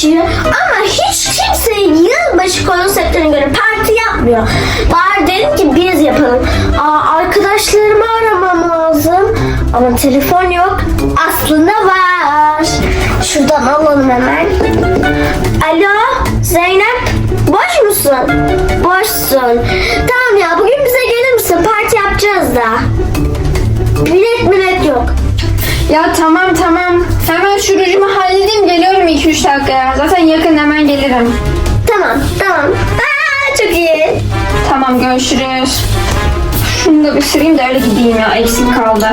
geçiyor ama hiç kimse yılbaşı konserine göre parti yapmıyor. Bari dedim ki biz yapalım. Arkadaşlarımı aramam lazım ama telefon yok. Aslında var. Şuradan alalım hemen. Alo Zeynep, boş musun? Boşsun. Tamam ya, bugün bize gelir misin? Parti yapacağız da. Bilet yok. Ya tamam. Hemen şu rujumu halledeyim, geliyorum 2-3 dakikaya. Zaten yakın, hemen gelirim. Tamam. Çok iyi. Tamam, görüşürüz. Şunu da bir süreyim de öyle gideyim ya, eksik kaldı.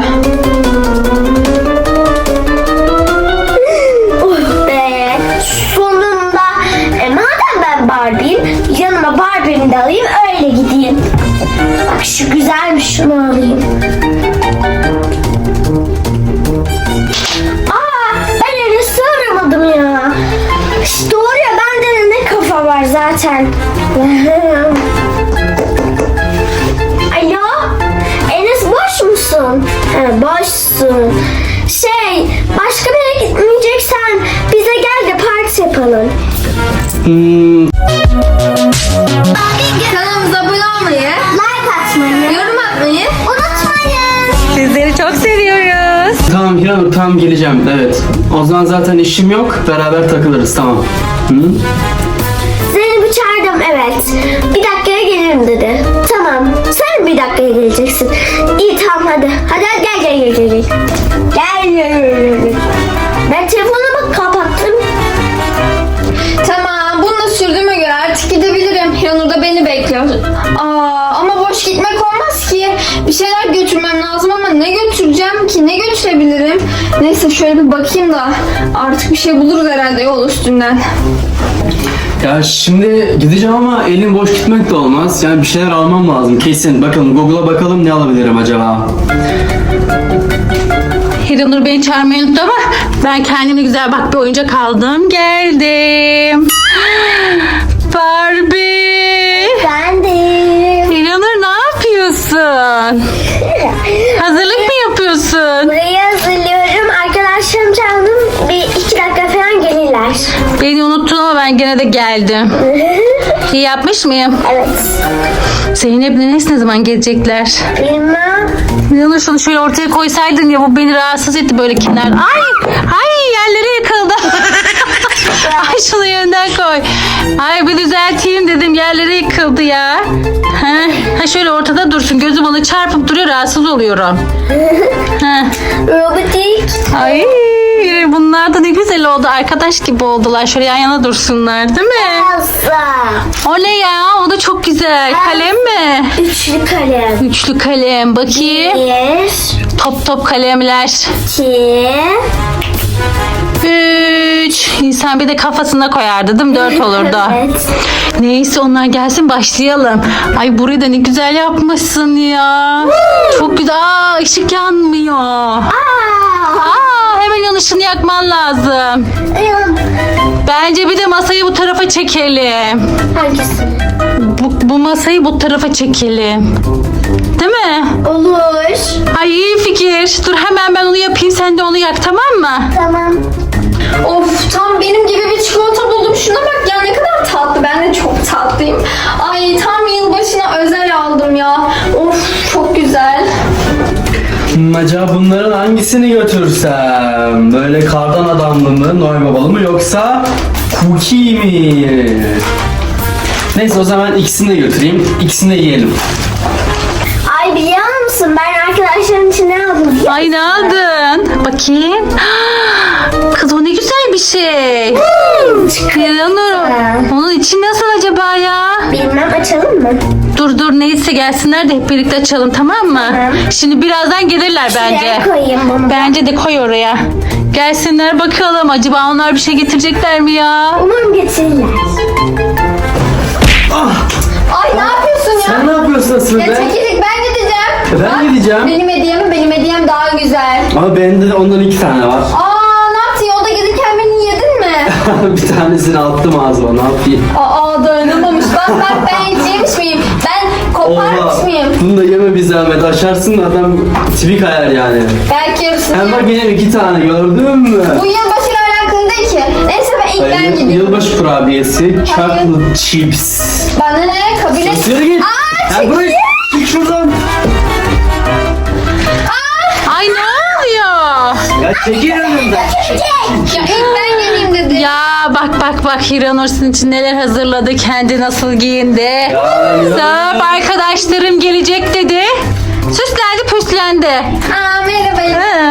Oh be. Sonunda. Madem ben Barbie'yim, yanıma Barbie'mi de alayım, öyle gideyim. Bak şu güzelmiş, şunu alayım. Ben Enes'i aramadım ya. İşte doğru ya, bende de ne kafa var zaten. Alo, Enes boş musun? Boşsun. Başka bir yere gitmeyeceksen bize gel de parti yapalım. Kanalımıza abone olmayı, Like atmayı, yorum atmayı unutmayın. Sizleri çok seviyoruz. Tamam Hiranur, tamam geleceğim, evet. O zaman zaten işim yok, beraber takılırız, tamam. Hı? Zeynep'i çağırdım, evet. Bir dakikaya gelirim dedi. Tamam, sen bir dakikaya geleceksin. İyi tamam, hadi. Hadi gel. Gel. Ben telefonumu kapattım. Tamam, bunu da sürdüğüme göre artık gidebilirim. Yanur da beni bekliyor. Ama boş gitmek olmaz ki. Bir şeyler götürmem lazım ama ne götüreceğim ki? Ne götürebilirim? Neyse şöyle bir bakayım da artık bir şey buluruz herhalde yol üstünden. Ya şimdi gideceğim ama elim boş gitmek de olmaz. Yani bir şeyler almam lazım kesin. Bakalım Google'a bakalım, ne alabilirim acaba? Hiranur beni çağırmayı unuttu ama ben kendime güzel bir oyuncak aldım. Geldim. Barbie. Ben de. Hiranur ne yapıyorsun? Hazırlık mı yapıyorsun? Burayı hazırlıyorum. Arkadaşlarım çağırdım. Bir 2 dakika falan gelirler. Beni unuttun ama ben gene de geldim. İyi yapmış mıyım? Evet. Zeynep ne zaman gelecekler? Bilmem. Hiranur şunu şöyle ortaya koysaydın ya, bu beni rahatsız etti böyle kenar. Ay yerlere yıkıldı. Ay şunu yerinden koy. Ay bir düzelteyim dedim, yerlere yıkıldı ya. Ha şöyle ortada dursun, gözüm ona çarpıp duruyor, rahatsız oluyorum. Robotik. Ay bunlar da ne güzel oldu, arkadaş gibi oldular, şöyle yan yana dursunlar değil mi? Elsa. O ne ya, o da çok güzel. Kalem mi? Üçlü kalem. Üçlü kalem, bakayım. 1, Top kalemler. 2. 3. İnsan bir de kafasına koyardı değil mi? 4 olurdu. Evet. Neyse onlar gelsin, başlayalım. Ay burayı da ne güzel yapmışsın ya. Çok güzel. Işık yanmıyor. Hemen ışığını yakman lazım. Bence bir de masayı bu tarafa çekelim. Hangisi? Bu masayı bu tarafa çekelim. Değil mi? Olur. Ay iyi fikir. Dur hemen ben onu yapayım, sen de onu yak, tamam mı? Tamam. Of, tam benim gibi bir çikolata buldum. Şuna bak ya, ne kadar tatlı. Ben de çok tatlıyım. Ay tam yılbaşına özel aldım ya. Of, çok güzel. Acaba bunların hangisini götürsem? Böyle kardan adamlı mı, Noel babalı mı, yoksa cookie mi? Neyse o zaman ikisini de götüreyim. İkisini de yiyelim. Ay biliyor musun, ben arkadaşlarım için ne aldım? Ay ne aldın? Bakayım. Kız o ne güzel bir şey. Hiranur, onun içi nasıl acaba ya? Bilmem, açalım mı? Dur neyse gelsinler de hep birlikte açalım, tamam mı? Tamam. Şimdi birazdan gelirler bence. Şuraya koyayım bunu. Bence de koy oraya. Gelsinler bakalım, acaba onlar bir şey getirecekler mi ya? Umarım getirirler. Ay ne yapıyorsun ya? Sen ne yapıyorsun asıl Ya be? çekirdek, ben gideceğim. Ben gideceğim. Benim hediyem daha güzel. Ama bende de ondan 2 tane var. Ne yaptın? Yolda gelirken beni yedin mi? Bir tanesini attım ağzıma, ne yapayım? Dayanamamış. Bak ben hiç yemiş miyim? Ben koparmış mıyım? Bunu da yeme bir zahmet, aşarsın adam tipi kayar yani. Belki yarısını Hem bak yerim. yine 2 tane, gördün mü? Bu yılbaşıyla alakalı değil ki. Neyse ben renkten gidiyorum. Yılbaşı kurabiyesi, chocolate chips. Bana ne? Kabul et. Yürü git. Ya bırak. Çık şuradan. Ay ne oluyor? Ya çekil önümden. Ya ilk ben geleyim dedi. Ya bak Hiranur sizin için neler hazırladı. Kendi nasıl giyindi. Ya, Sırf arkadaşlarım gelecek dedi. Süslendi püslendi. Aa merhaba.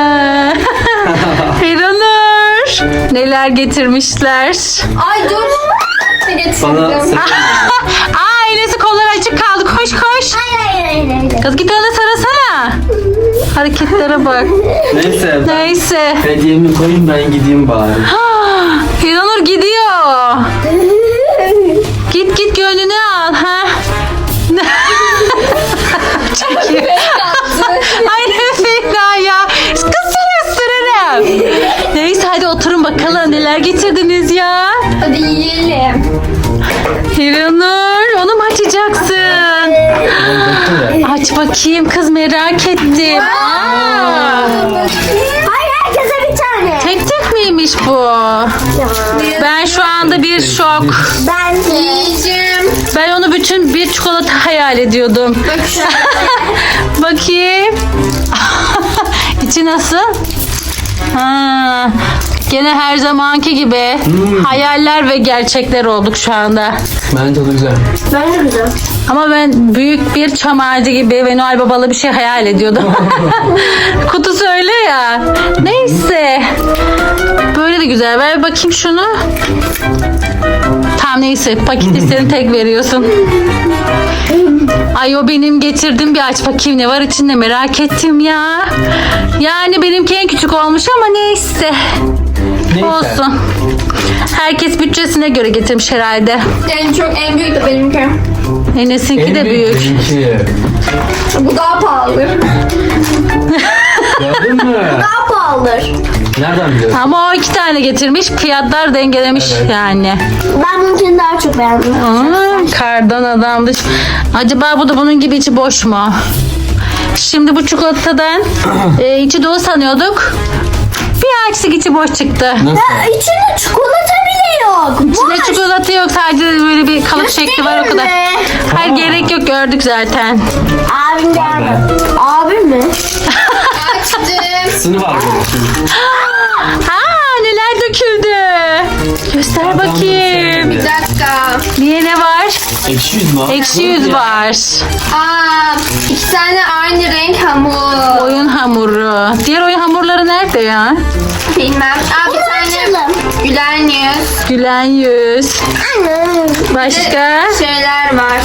Hiranur. Neler getirmişler. Ay dur. Ne Bana getirdim? Aa ailesi kolları açık kaldı. Koş koş. Hayır. Kız git ona sarasana. Hareketlere bak. Neyse. Neyse. Hediyemi koyayım ben gideyim bari. Hiranur gidiyor. Git gönlünü al. Ha? Çekiyor. Ay ne fena ya. Kız seni ısırırım. Neyse hadi oturun bakalım neler getirdiniz ya. Hadi yiyelim. Hiranur onu mu açacaksın? Aç bakayım kız merak ettim. Aa, Hayır, herkese bir tane. tek tek miymiş bu? Ben şu anda bir şok. Ben de. Yiyeceğim. Ben onu bütün bir çikolata hayal ediyordum. Bak şu an. Bakayım. İçi nasıl? Ha, gene her zamanki gibi hayaller ve gerçekler olduk şu anda. Bence de güzel. Ben de güzel. Ama ben büyük bir çam ağacı gibi ve Noel Babalı bir şey hayal ediyordum. Kutusu öyle ya. Neyse. Böyle de güzel. Ver bakayım şunu. Tamam neyse. Paketi sen tek veriyorsun. Ay o benim getirdim bir aç bakayım ne var içinde merak ettim ya. Yani benimki en küçük olmuş ama neyse. Neyse. Olsun. Herkes bütçesine göre getirmiş herhalde. En büyük de benimki. Enes'inki de büyük. Benimki. Bu daha pahalı. Gördün mü? Daha pahalıdır. Nereden biliyorsun? Ama o 2 tane getirmiş. Fiyatlar dengelemiş Evet. yani. Ben bununkini daha çok beğendim. Kardan adammış. Acaba bu da bunun gibi içi boş mu? Şimdi bu çikolatadan içi dolu sanıyorduk. Bir açtık içi boş çıktı. Nasıl? İçinde çikolata bile yok. İçinde çikolata yok sadece böyle bir kalıp şekli var o kadar. Hayır gerek yok gördük zaten. Abim geldi. Abim mi? Açtım. Sınıf var böyle. Aa neler döküldü. Göster bakayım. Bir dakika. Niye ne var? Ekşi yüz mü? Ekşi yüz var. Aa, 2 tane aynı renk hamur. Oyun hamuru. Diğer oyun hamurları nerede ya? Bilmem. Aa, bir tane Açalım. gülen yüz. Gülen yüz. Başka? Şeyler var.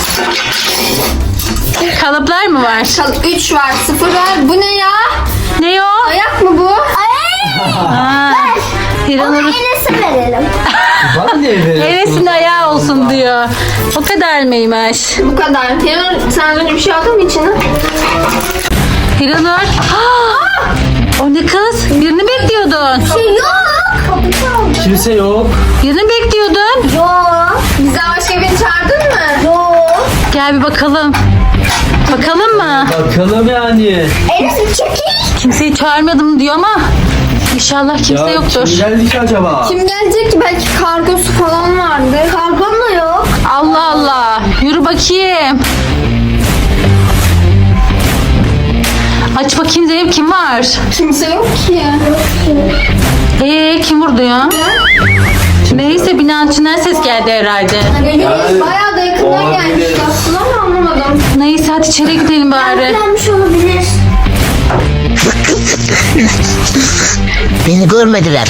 Kalıplar mı var? 3 var, 0 var. Bu ne ya? Ne o? Ayak mı bu? Aa, Onu Hiranur Enes'e verelim. Bana niye veriyorsun? Enes'in ayağı olsun diyor. O kadar mıymış? Bu kadar. Yanır, sen önce bir şey aldın mı içine? Hiranur. Aa, o ne kız? Birini bekliyordun. Yok. Kimse yok. Birini bekliyordun. Yok. Bizden başka birini çağırdın mı? Yok. Gel bir bakalım. Bakalım mı? Bakalım yani. Enes çekil. Kimseyi çağırmadım diyor ama inşallah kimse yoktur. Kim geldi ki acaba? Kim gelecek ki? Belki kargosu falan vardı. Kargom da yok. Allah Allah. Yürü bakayım. Aç bakayım Zeynep kim var? Kimse yok ki. Kim vurdu ya? Neyse binanın içinden ses geldi herhalde. Geliyoruz. Bayağı da yakından olabilir. gelmiş aslında ama anlamadım. Neyse hadi içeri gidelim bari. Gelmiş olabilir. Beni görmediler.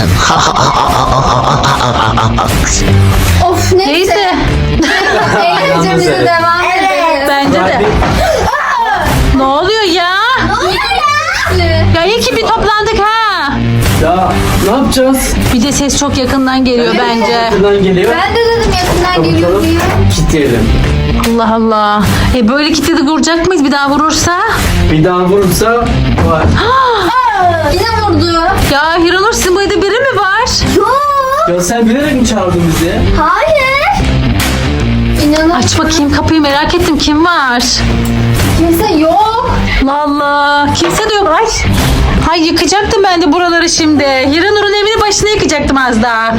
Of neyse. Neyse. Eğlencemize Evet. devam edelim. Bence de. Ne oluyor ya? Ya iyi ki bir toplandık ha. Ya ne yapacağız? Bir de ses çok yakından geliyor bence. Buradan geliyor. Ben de dedim yakından geliyor Bakalım. diye. Kitleyelim. Allah Allah. Böyle kilitledi vuracak mıyız bir daha vurursa? Bir daha vurursa var. Yine vurdu. Ya Hiranur sizin bu evde biri mi var? Yok. Ya sen bilerek mi çağırdın bizi? Hayır. İnanın Aç bakayım kapıyı merak ettim kim var? kimse yok. Allah Allah. Kimse de yok. Ay yıkacaktım ben de buraları şimdi. Hiranur'un evini başını yıkacaktım az daha.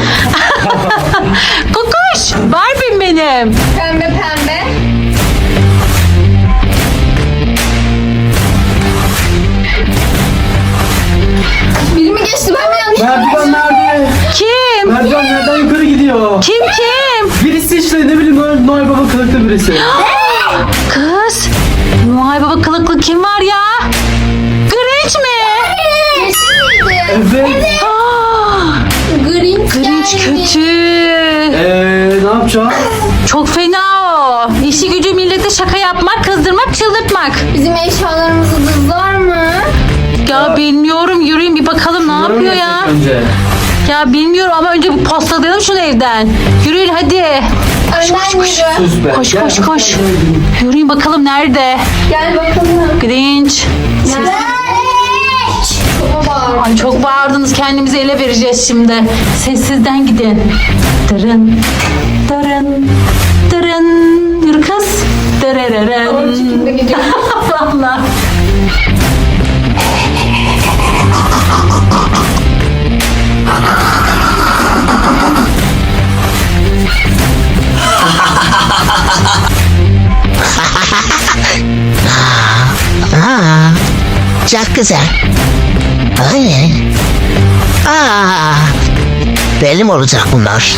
Kokoş. Barbie'm benim. Pembe pembe. Biri mi geçti, ben mi yanlış? Merdiven nerede? Kim? Merdiven nereden yukarı gidiyor? Kim? Birisi işte ne bileyim Noel Baba kılıklı birisi. Kız. Noel Baba kılıklı kim var ya? Grinch mi? Yeşil miydi? Evet. Aa, Grinch Grinch geldi. kötü. Ne yapacağız? Çok fena o. İşi gücü millete şaka yapmak, kızdırmak, çıldırtmak. Bizim eşyalarımızı dızlar mı? Ya bilmiyorum, yürüyün bir bakalım ne Bunları mı yapıyor ya. yapacak Önce. Ya bilmiyorum ama önce bir postalayalım şunu evden. Yürüyün hadi. Önden yürü. Sus be. Koş, Gel, koş, gel, koş. gel, gel. Yürüyün bakalım nerede? Gel bakalım. Grinch. Çok bağır. Ay çok bağırdınız, kendimizi ele vereceğiz şimdi. Sessizden gidin. Dırın, dırın, dırın. Yürü kız. Dırırırın. Şimdi gidiyor. Valla. Aa, çok güzel. Ay. Benim olacak bunlar.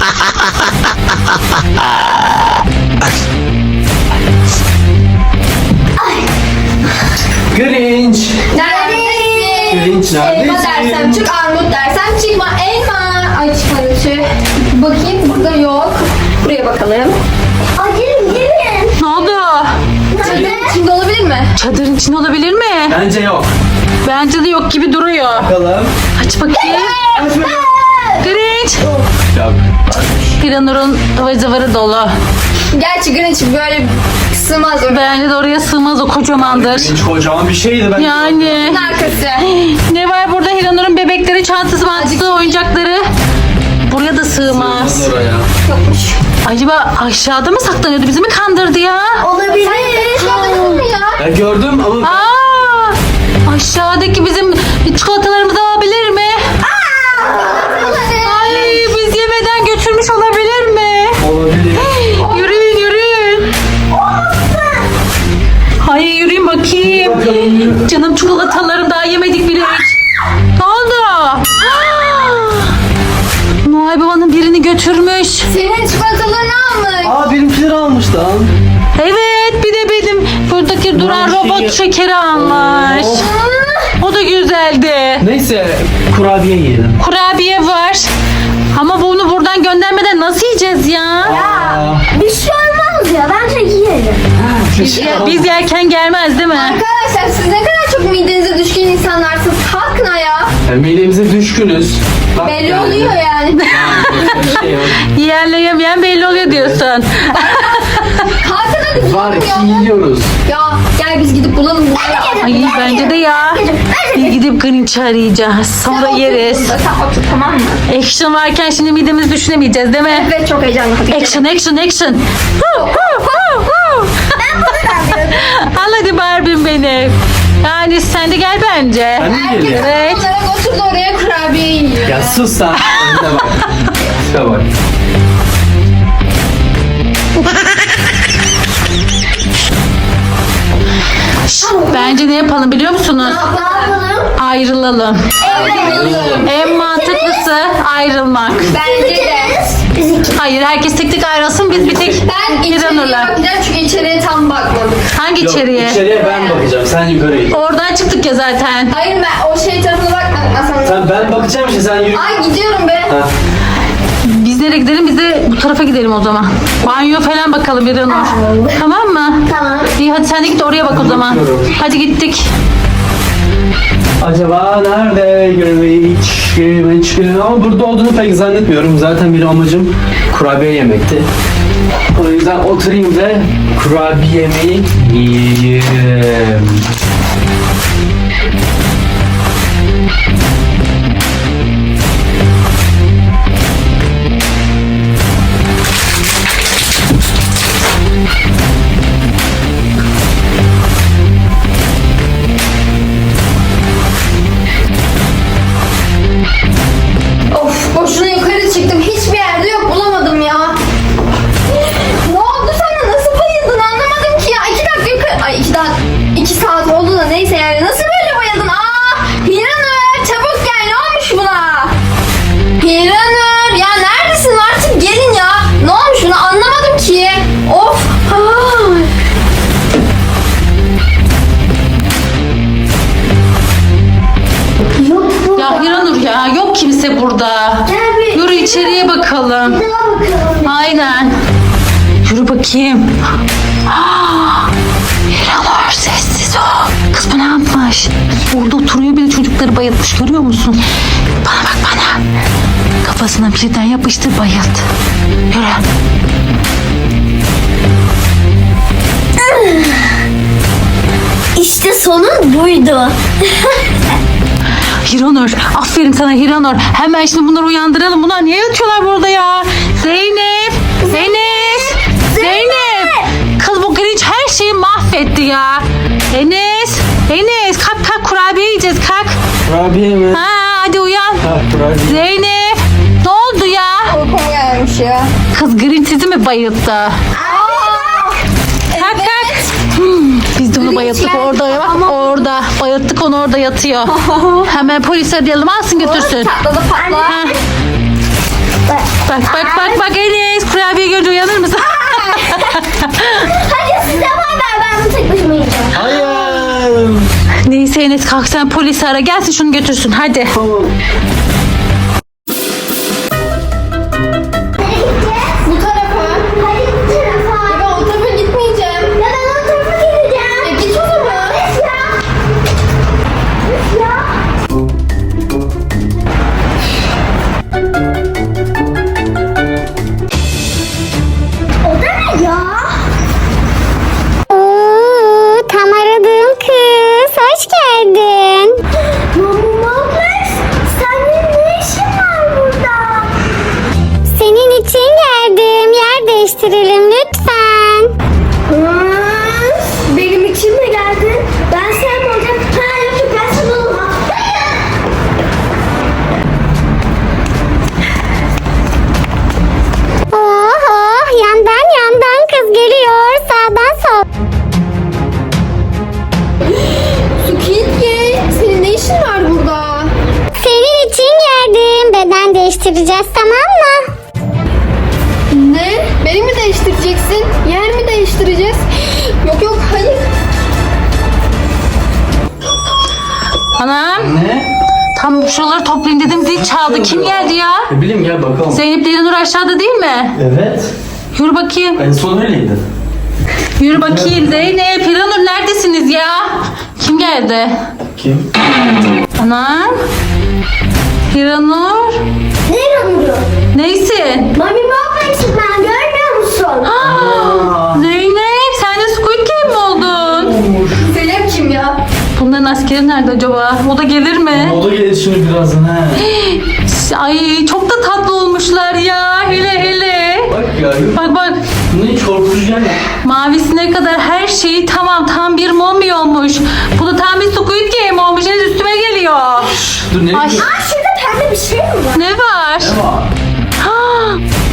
Grinch. Neredesin? Grinch Elma neredesin? dersem çık, armut dersem çıkma. Elma. Ay çıkmadı tüh. Bakayım, burada yok. Buraya bakalım. Ay gelin. Ne oldu? Çadırın içinde olabilir mi? Çadırın içinde olabilir mi? Bence yok. Bence de yok gibi duruyor. Bakalım. Aç bakayım. Grinch. Yok. Piranur'un ıvır zıvırı dolu. Gerçi Grinch böyle sığmaz oraya. Bence de oraya sığmaz, o kocamandır. Grinch kocaman bir şeydi ben. Yani Arkası. ne var burada? Hiranur'un bebekleri, çantası, mantası, oyuncakları. Buraya da sığmaz. Sığmaz oraya. Yokmuş. Acaba aşağıda mı saklanıyordu? Bizi mi kandırdı ya? Olabilir. Gördün mü ya? Ben gördüm ama Aa! Aşağıdaki bizim çikolatalarımızı alabilir mi? Ay, biz yemeden götürmüş olabilir mi? olabilir. Yürüyün yürüyün. Hayır yürüyün bakayım. Bakalım. Canım çikolatalarım, daha yemedik bile hiç. Ne oldu? Aa! Noel Baba'nın birini götürmüş. Senin çikolatalarını almış. Aa benimkileri almış lan. Evet, bir de benim buradaki duran Ulan robot şey- şekeri almış. O da güzeldi. Neyse kurabiye yiyelim. Kurabiye var. Ama bunu buradan göndermeden nasıl yiyeceğiz ya? Aa, Bir şey olmaz ya. Bence yiyelim. Biz yerken gelmez değil mi? Arkadaşlar siz ne kadar çok midenize düşkün insanlarsınız. Kalkın ayağa. midemize düşkünüz. Bak Belli yani. oluyor yani. Bir şey yok. Yiyenle yemeyen belli oluyor diyorsun. Kalkın hadi. Var ya. ki yiyoruz. Ya gel biz gidip bulalım bunları. Ay bence de ya. Bir gidip Grinch'i arayacağız. Sonra yeriz. Sen otur, tamam mı? Action varken şimdi midemizi düşünemeyeceğiz değil mi? Evet, çok heyecanlı. Hadi gidelim. Action action action. Al hadi Barbie'm benim. Yani sen de gel bence. Ben mi Herkes geliyorum? Evet. olarak oturdu oraya, kurabiye yiyor. Ya sus sen. Önüne bak. Şuna bak. Bence ne yapalım biliyor musunuz? Ne yapalım? Ayrılalım. En mantıklısı ayrılmak. Bence de. Biz iki. Hayır, herkes tek tek ayrılsın, biz bir tek Ben içeriye Hiranur'la. bakacağım çünkü içeriye tam bakmadık. Hangi Yok, içeriye? içeriye ben bakacağım. Sen yukarı git. Oradan çıktık ya zaten. Hayır, ben o şey tarafına bakmadım masanın. Sen ben bakacağım işte sen yürü. Ay gidiyorum be. Ha. Biz nereye gidelim? Biz de bu tarafa gidelim o zaman. Banyo falan bakalım Hiranur. Tamam mı? Tamam. İyi hadi sen de git oraya bak o zaman. bakıyorum. Hadi gittik. Acaba nerede Grinch? Ama burada olduğunu pek zannetmiyorum. Zaten bir amacım kurabiye yemekti. O yüzden oturayım ve kurabiyemi yiyeyim. bakalım. Bir daha bakalım. Aynen. Yürü bakayım. İranur sessiz ol. Kız bu ne yapmış? Orada oturuyor, bir de çocukları bayıltmış, görüyor musun? Bana bak bana. Kafasına birden yapıştır, bayılt. Yürü. İşte sonun buydu. Hiranur, aferin sana Hiranur. Hemen şimdi bunları uyandıralım. Bunlar niye yatıyorlar burada ya? Zeynep, Zeynep, Zeynep. Kız bu Grinch her şeyi mahvetti ya. Enes kalk kurabiye yiyeceğiz, kalk. Kurabiye mi? Ha, hadi uyan. Ha, kurabiye. Zeynep, ne oldu ya? Uykum gelmiş ya. Kız Grinch sizi mi bayılttı? Kalk. Biz de onu bayılttık orada ya. Bak orada. Bayılttık onu, orada yatıyor. Hemen polis arayalım, alsın götürsün. Çatladı patla. Ha. Bak Enes, kurabiye görünce uyanır mısın? Hadi siz devam ver, ben bunu tek başıma yiyeceğim. Hayır. Neyse Enes, kalk sen polisi ara, gelsin şunu götürsün hadi. Tamam. Bu tarafa. Hadi bu tarafa. Ben o tarafa gitmeyeceğim. Ya ben o tarafa geleceğim. Git o zaman. Üf ya. Üf ya. O da ne ya? Oo, tam aradığım kız. Hoş geldin. Mamamız, senin ne işin var burada? Senin için geldim. Yer değiştirelim lütfen. Benim için mi geldin? Ben sen mi olacağım? Ha yok ben sana olmam. Oh, yandan kız geliyor. Sağdan sol. Squid Game. Senin ne işin var burada? Senin için geldim. Beden değiştireceğiz, tamam mı? Ne? Beni mi değiştireceksin? Yer mi değiştireceğiz? Yok hayır. Anam, Ne? tam şuraları toplayayım dedim, zil çaldı. Kim geldi ya? Ne bileyim, gel bakalım. Zeynep ile Nur aşağıda değil mi? Evet. Yürü bakayım. En son öyleydi. Yürü bakayım Zeynep, Hiranur neredesiniz ya? Kim geldi? Kim? Anam. Hiranur. Ne inanıyor? Neysin? Mami Moblex'im ben, görmüyor musun? Zeynep, sen de Squid Game mi oldun? Zeynep kim ya? Bunların askeri nerede acaba? O da gelir mi? O da gelir şimdi birazdan he. Ay çok da tatlı olmuşlar ya. Hele. Bak ya. Bak. Bunu hiç korkutucu yani. Mavisine kadar her şeyi tamam. Tam bir mommy olmuş. Bu da tam bir Squid Game olmuş. Henüz üstüme geliyor. Dur ne? Ay. Ne Aa şurada pembe bir şey mi var? Ne var? var? Ha.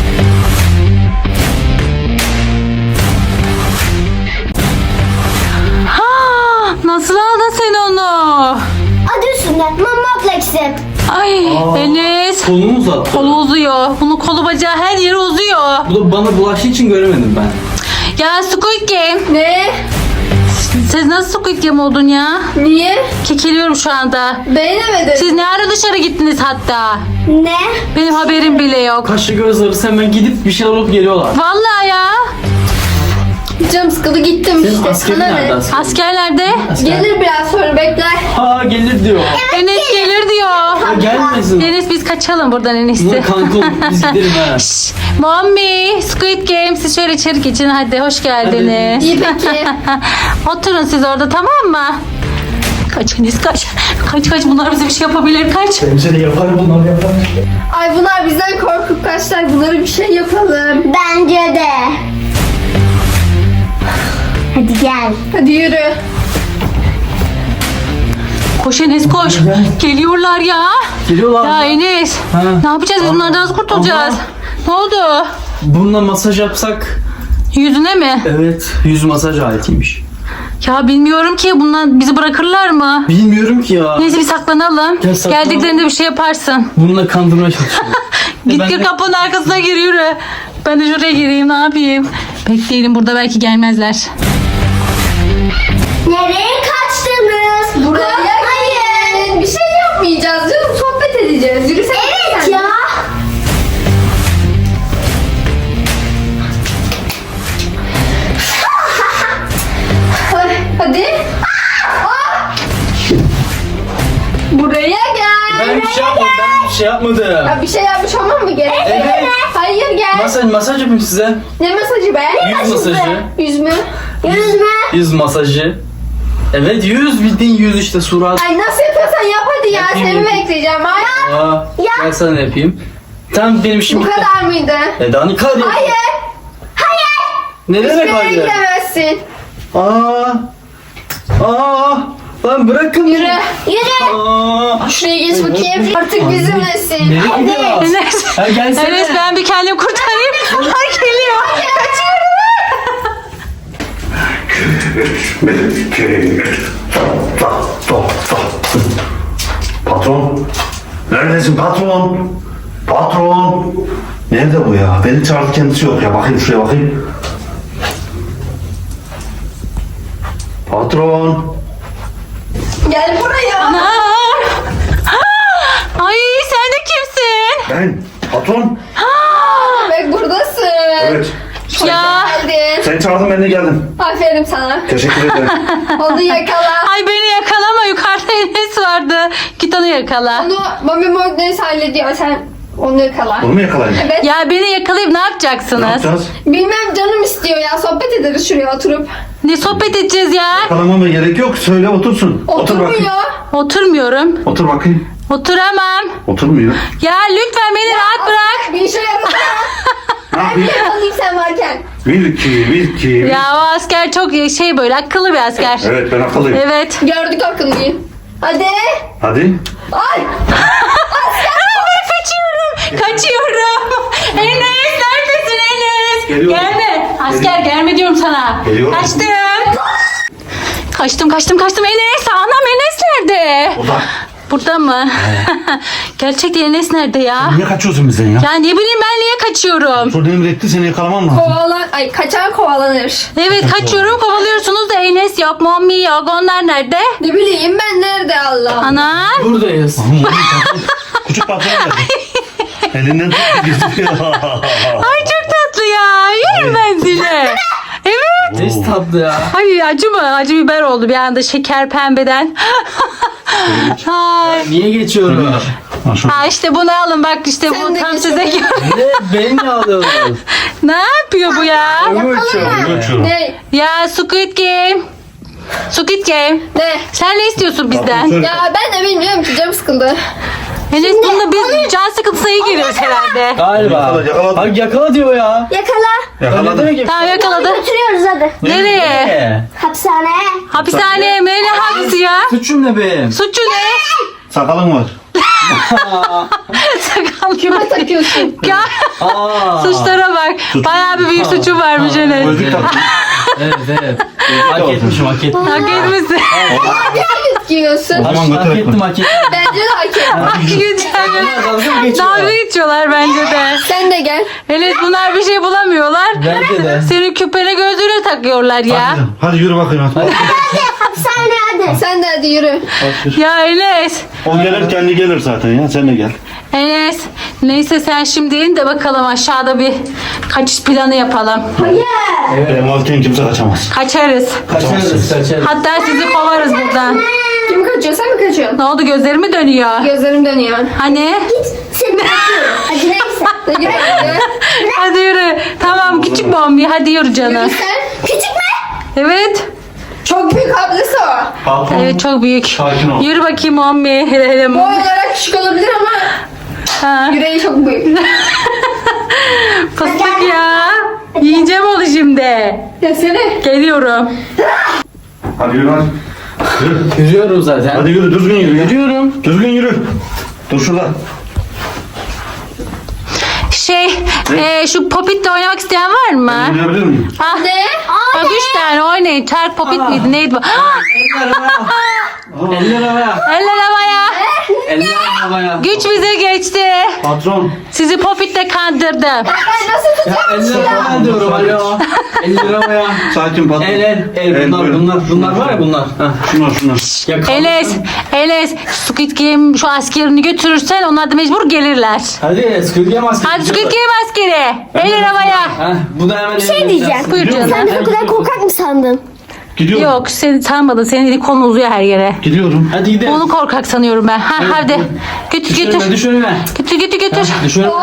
Ha, nasıl aldın sen onu? Adı üstünde Mami Moblex'im. Ay Enes. Kolunu mu uzattı? Kolu uzuyor. Bunun kolu bacağı her yeri uzuyor. Bu da bana bulaştığı için göremedim ben. Ya Squid Game. Ne? Siz nasıl Squid Game oldun ya? Niye? Kekeliyorum şu anda. Beğenemedin. Siz ne ara dışarı gittiniz hatta? Ne? Benim haberim bile yok. Kaşlı göz arası hemen gidip bir şeyler alıp geliyorlar. Vallahi ya. Canım sıkıldı gittim Senin işte. askerin Sana nerede ne? asker? Askerlerde Asker. Gelir biraz sonra bekler. Ha gelir diyor. Enes gelir diyor. Ha, gelmesin. Enes biz kaçalım buradan en Buna iyisi. kanka olup biz gidelim ha. Mommy, Squid Game, siz şöyle içeri geçin hadi, hoş geldiniz. İyi peki. Oturun siz orada, tamam mı? Kaç Enes kaç. Kaç bunlar bize bir şey yapabilir, kaç. Bence de yapar bunlar yapar. Ay bunlar bizden korkup kaçlar. Bunlara bir şey yapalım. Bence de. Hadi gel. Hadi yürü. Koş Enes koş. Geliyorlar ya. Geliyorlar Ya mı? Enes. Ha. Ne yapacağız biz, bunlardan nasıl kurtulacağız? Ama- Ne oldu? Bununla masaj yapsak. Yüzüne mi? Evet. Yüz masaj aletiymiş. Ya bilmiyorum ki, bunlar bizi bırakırlar mı? Bilmiyorum ki ya. Neyse bir saklanalım. Gel saklanalım. Geldiklerinde bir şey yaparsın. Bununla kandırmaya çalışıyorum. Git Ben gir de- kapının arkasına gir, yürü. Ben de şuraya gireyim, ne yapayım? Bekleyelim burada, belki gelmezler. Nereye kaçtınız? Buraya Hayır. Bir şey yapmayacağız canım. Sohbet edeceğiz. Yürüsene. Evet sen. ya. bir şey yapmadım. Ya bir şey yapmış olmam mı gerek? Evet. Hayır gel. Masaj yapayım size. Ne masajı be? Yüz masajı. Yüz mü? Yüzme. Yüz masajı. Evet yüz bildiğin yüz işte surat. Ay nasıl yapıyorsan yap hadi ya. Yapayım, Seni yapayım. bekleyeceğim. Ay. Aa, ben sana yapayım. Tamam benim işim Bu bitti. kadar mıydı? Daha ne kadar? Hayır. Ne demek Nereye hayır? gidemezsin? Lan bırakın. Yürü. Yürü. Aa. Şuraya geç bakayım. Artık bizimlesin. Nereye gidiyorsun? Enes. Ha gelsene. Enes ben bir kendimi kurtarayım. Ay geliyor. Patron. Neredesin patron? Patron. Nerede bu ya? Beni çağırdı kendisi yok ya. Bakayım şuraya bakayım. Patron. Gel buraya. Ay sen de kimsin? Ben. Patron. Bak buradasın. Evet. Ya. Geldin. Sen çağırdın ben de geldim. Aferin sana. Teşekkür ederim. Onu yakala. Ay beni yakalama, yukarıda Enes vardı. Git onu yakala. Onu Mami Morgnes hallediyor. Sen onu yakala. Bunu mu yakalayayım? Evet. Ya beni yakalayıp ne Ne yapacaksınız? yapacağız? Bilmem canım istiyor ya. Sohbet ederiz şuraya oturup. Ne sohbet edeceğiz ya? Yakalamama gerek yok. Söyle otursun. Otur bakayım. Oturmuyor. Oturmuyorum. Otur bakayım. Oturamam. Oturmuyor. Ya lütfen beni rahat bırak. Bir işe yarasana. Ne Ben yapayım? bir yakalayayım sen varken. Wilki. Ya o asker çok şey böyle akıllı bir asker. Evet ben akıllıyım. Evet. Gördük akıllıyı. Hadi. Hadi. Ay. Kaçıyorum. Enes neredesin Enes? Geliyorum. Gelme. Asker gelme diyorum sana. Geliyorum. Kaçtım. Enes. Anam Enes nerede? Oda. Burada mı? Gerçekten Enes nerede ya? Niye kaçıyorsun bizden ya? Ya ne bileyim ben niye kaçıyorum? Sonra emretti seni yakalamam lazım. Ay kaçan kovalanır. Evet kaçıyorum kovalıyorsunuz da Enes yok, Mommy yok. Onlar nerede? Ne bileyim ben nerede Allah. Anam. Buradayız. Küçük patron geldi. Elinden tuttu gidiyor. Ay çok tatlı ya. Yerim ben seni. Evet. Ne tatlı ya. Ay acı mı? Acı biber oldu bir anda şeker pembeden. Ay. Niye geçiyorum? Ha işte bunu alın bak işte Sen bu de tam geç size bakayım. gel. Ne? Beni mi alıyorsunuz? Ne yapıyor bu ya? Ne? Ya Squid Game. Squid Game. Ne? Sen ne istiyorsun bizden? Ya ben de bilmiyorum ki canım sıkıldı. Enes bununla biz can sıkıntısına iyi giriyoruz herhalde. Galiba. Yakala. Bak yakala diyor ya. Yakala. Ne demek ya? Tamam yakaladı. Götürüyoruz hadi. Nereye? Hapishaneye. Hapishaneye mi? Ne hapsi ya? Suçum ne benim? Suçu ne? Sakalın var. Sakal. Kime takıyorsun? Ya Aa. suçlara bak. Bayağı bir büyük suçu varmış Enes. Gözlük taktın. Evet. Hak etmişim hak ettim. Hak etmişsin. Giyiyorsun. O zaman Hak götürek ettim mi? hak ettim. Bence de hak et. Hak geçiyor. Dalga mı geçiyor? Dalga geçiyorlar bence de. Sen de gel. Enes bunlar bir şey bulamıyorlar. Bence de. Senin küpene gözlüğüne takıyorlar ya. Hadi yürü bakayım. Hadi. Hapishaneye hadi. Sen de hadi yürü. Ya Enes. O gelir kendi gelir zaten ya. Sen de gel. Enes. Neyse sen şimdi in de bakalım aşağıda bir kaçış planı yapalım. Benim varken kimse kaçamaz. Kaçarız. Kaçarız. Hatta sizi kovarız buradan. Kim kaçıyor? Sen mi kaçıyorsun? Ne oldu gözlerimi dönüyor? Gözlerim dönüyor. Hani? Seni bekliyorum. Hadi neyse. Ne gidiyor? Hadi yürü. Tamam küçük bombi hadi yürü canım. Sen Küçük mü? Evet. çok büyük ablası o. Patron. Evet çok büyük. Sakin ol. Yürü bakayım bombi. Hele hele Boy bombi. olarak küçük olabilir ama Ha. yüreği çok büyük. Fıstık ya. Yiyeceğim onu şimdi. Ya seni. Geliyorum. Hadi yürü hadi. Yürü. Yürüyorum zaten. Hadi yürü düzgün yürü. ya. Yürüyorum. Düzgün yürü. Dur şurada. Şu Popit'le oynamak isteyen var mı? Yürüyebilir miyim? Ah. Ne? Bak 3 tane oynayın. Çark Popit miydi neydi bu? Ah, Eller havaya. eller havaya. Eller havaya. Güç bize geçti. Patron. Sizi Popit'le kandırdım. Ben nasıl Ya tutacağım? eller havaya diyorum alo. Eller havaya. Sakin patron. El böyle. bunlar var ya bunlar. Heh. Şunlar. Yakala. Enes Squid Game şu askerini götürürsen onlar da mecbur gelirler. Hadi Squid Game askeri. Hadi Squid Game askeri. Eller havaya. Heh, bu da hemen Bir şey diyeceğim. Buyur canım. Sen de o kadar korkak mı sandın? Gidiyorum. Yok seni tanımadı. Senin eli kolun uzuyor her yere. Gidiyorum. Hadi gidelim. Onu korkak sanıyorum ben. Ha, Evet, hadi. Götür Düş önüme, götür. düş önüme. Götür götür götür. Düş önüme.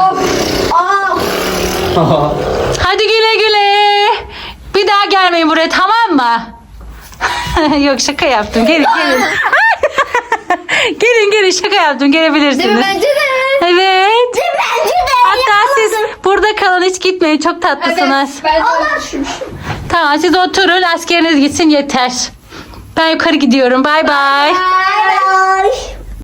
Hadi güle güle. Bir daha gelmeyin buraya, tamam mı? Yok şaka yaptım. Gelin gelin. gelin şaka yaptım. Gelebilirsiniz. Değil mi? Bence de. Evet. Bence de. Hatta siz burada kalın, hiç gitmeyin. Çok tatlısınız. Evet. Ben de düşünmüşüm. Tamam siz oturun, askeriniz gitsin yeter. Ben yukarı gidiyorum. Bay bay. Bye.